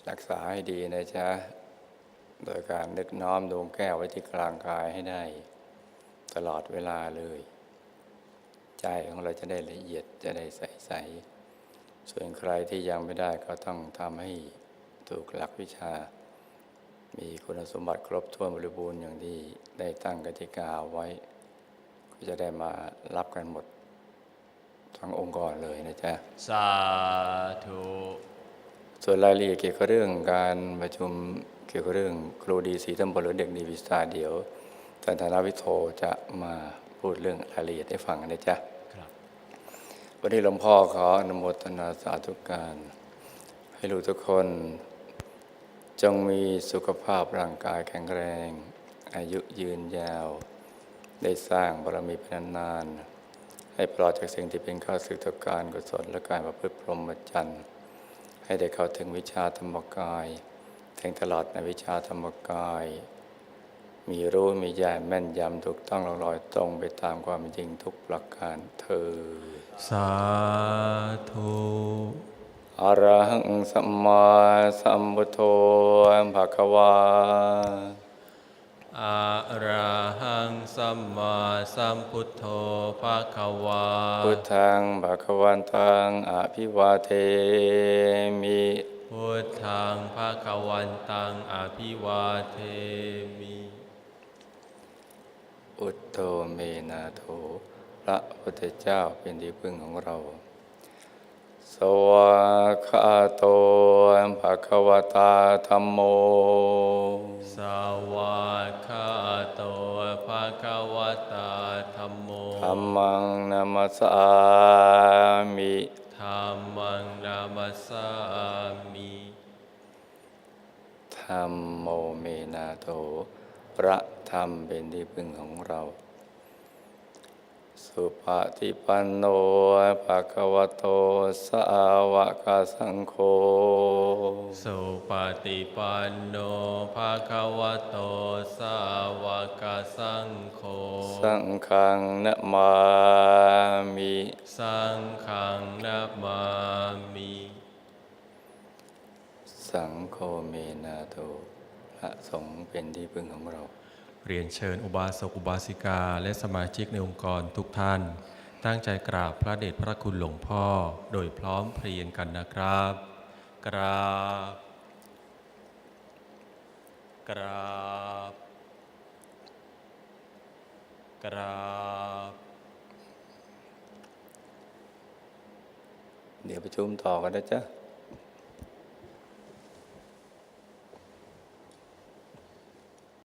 รักษาให้ดีนะจ๊ะโดยการนึกน้อมดวงแก้วไว้ที่กลางกายให้ได้ตลอดเวลาเลยใจของเราจะได้ละเอียดจะได้ใสๆส่วนใครที่ยังไม่ได้ก็ต้องทำให้ถูกหลักวิชามีคุณสมบัติครบถ้วนบริบูรณ์อย่างที่ได้ตั้งกติกาไว้ก็จะได้มารับกันหมดทั้งองค์กรเลยนะจ๊ะสาธุส่วนรายละเอียดเกี่ยวกับเรื่องการประชุมเกี่ยวกับเรื่องครูดีสีตำบลหรือเด็กดีวิชาเดี๋ยวท่านธนวิโทจะมาพูดเรื่องรายละเอียดให้ฟังนะจ๊ะครับวันนี้หลวงพ่อขออนุโมทนาสาธุการให้ลูกทุกคนจงมีสุขภาพร่างกายแข็งแรงอายุยืนยาวได้สร้างบารมีเป็นนานๆให้ปลอดจากสิ่งที่เป็นข้าศึกต่อการกุศลและการประพฤติพรหมจรรย์ให้ได้เข้าถึงวิชาธรรมกายแทงตลอดในวิชาธรรมกายมีรู้มีญาณแม่นยำถูกต้องลอยตรงไปตามความจริงทุกประการเธอสาธุอะระหังสัมมาสัมพุทโธภะคะวาอะระหังสัมมาสัมพุทโธภะคะวาพุทธังภะคะวันตังอภิวาเทมิพุทธังภะคะวันตังอภิวาเทมิพุทโธเมนาโถพระพุทธเจ้าเป็นที่พึ่งของเราสวากขาโตภะคะวตาธัมโมสวากขาโตภะคะวตาธัมโมธัมมังนามัสสามิธัมมังนามัสสามิธัมโมเมนาโถพระธรรมเป็นที่พึ่งของเราสุปฏิปันโนภะคะวะโตสาวกสังโฆสุปฏิปันโนภะคะวะโตสาวกสังโฆสังฆังนะมามิสังฆังนะมามิสังโฆเมนาโถพระสงฆ์เป็นที่พึ่งของเราเรียนเชิญอุบาสกอุบาสิกาและสมาชิกในองค์กรทุกท่านตั้งใจกราบพระเดชพระคุณหลวงพ่อโดยพร้อมเพรียงกันนะครับกราบกราบกราบเดี๋ยวประชุมต่อกันนะจ๊ะ